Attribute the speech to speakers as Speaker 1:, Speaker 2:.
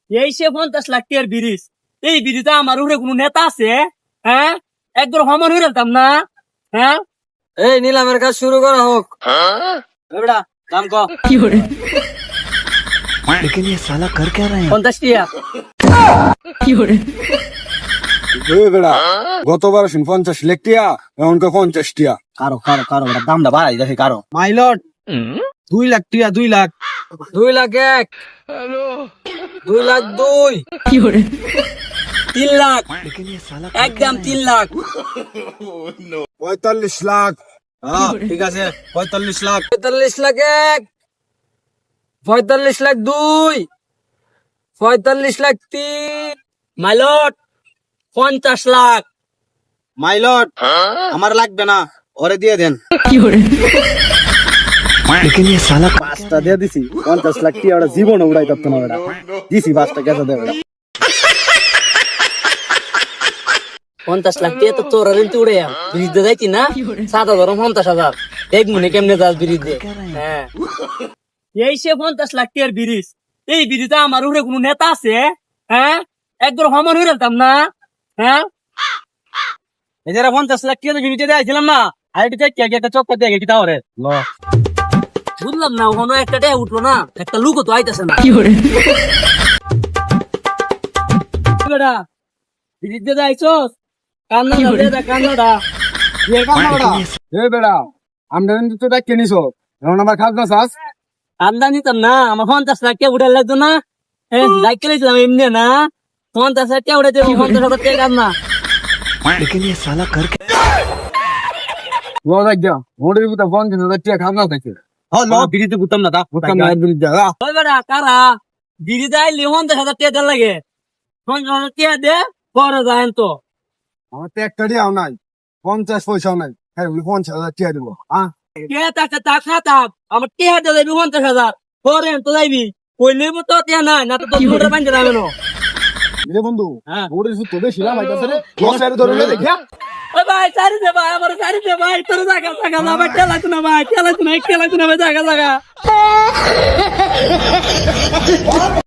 Speaker 1: এই সে 50 লাখ টাকার ব্রিজ, এই ব্রিজে আমার উপরে কোনো নেতা আছে? হ্যাঁ, একবার হমন হয়ে যেতাম না। হ্যাঁ,
Speaker 2: এই নিলামের কাজ শুরু করা হোক।
Speaker 1: বেটা দাম কম।
Speaker 3: लेकिन ये साला कर क्या रहे हैं
Speaker 1: 50 টাকা।
Speaker 4: বেড়া গতবার 50 লাখ টিয়া এমনকা 50 টিয়া
Speaker 2: কারো কারো কারো বেটা দামটা বাড়াই দেখে কারো।
Speaker 5: মাইলট 2 লাখ টিয়া 2 লাখ
Speaker 2: 2 লাখ 1, 2 লাখ 2,
Speaker 1: 3 লাখ,
Speaker 3: लेकिन ये साला
Speaker 1: একদম 3 লাখ।
Speaker 4: 45 লাখ।
Speaker 5: হ্যাঁ ঠিক আছে 45 লাখ
Speaker 2: 45 লাখ 1, 45 লাখ 2, 45 লাখ 3,
Speaker 1: মাইলট 50 লাখ।
Speaker 5: মাইলট আমার লাগবে না, ওরে দিয়ে দেন।
Speaker 3: लेकिन ये साला
Speaker 4: পাঁচটা দিয়ে দিছি 50 লাখ টিয়া ওটা জীবন উড়াই করতে না বেড়া দিছি 5টা গেছে দে বেড়া
Speaker 1: 50 লাখ টাকা তো তোর রেন্টি উড়ে ব্রিজ দিয়ে যাইতি না? 7,000 50,000 এক মনে কেমনে যাস ব্রিজ দিয়ে? হ্যাঁ, এই সে 50 লাখ টাকার ব্রিজ, এই ব্রিজে আমার উপরে কোনো নেতা আছে? হ্যাঁ, একবার হমন হয়ে যেতাম না। হ্যাঁ, এই যারা 50 লাখ টাকা ইউনিটে দিয়েছিলাম না, আর এটা একটা চক্কর দিয়ে গেছি তাহলে বুঝলাম না, ওখানে একটা টাকা উঠলো না, একটা লুকও তো আইতেছে না। বেটা ব্রিজ দিয়ে যাইছস, কান্না কান্নাটা
Speaker 4: এ কামড়া এ বেড়া আমরা কিন্তু তো ডাকে নিছো এখন আমার খাজনা চাস
Speaker 1: কান্দা নিতাম না, আমার 50 লাখ টাকা উঠে লাগতো না। লাইকে লাইছিলাম এমনি না, 50 লাখ টাকা উঠে 50,000 টাকা কান্না।
Speaker 3: लेकिन ये साला कर क्या
Speaker 4: লো দেখ গিয়া মোড়ের ভিতরে 50,000 টিয়া খাজনা থাকে
Speaker 5: হ্যাঁ ল বিড়িতে বুতাম না দা
Speaker 4: বুঝতাম না একদিন যা
Speaker 1: ওই বেটা কারা বিড়ি দেয় 50,000 টাকা দেওয়ার লাগে, 50,000 টাকা দে পরে যায় তো।
Speaker 4: আমার তো একটা টিয়াও নাই 50 পয়সাও নাই হ্যাঁ 50,000 টিয়া দেবো হ্যাঁ
Speaker 1: কে তাকে তাক না তাক, আমার টাকা দিয়ে যাবি 50,000 পরে তো যাইবি, কই লইব তো টাকা নাই না, তো তোর বান্ধে যাবে না।
Speaker 4: রে বন্ধু
Speaker 1: হ্যাঁ,
Speaker 4: মোড়ের ভিতরে বেশি লাভ আইতাছে রে লস এর ধরে লে দেখিয়া
Speaker 1: ওই ভাই সারি দে ভাই, আমার সারি দে ভাই, তোর জায়গা জায়গা না ভাই, খেলাইতো না ভাই, খেলাইতো না ভাই, জায়গা জায়গা।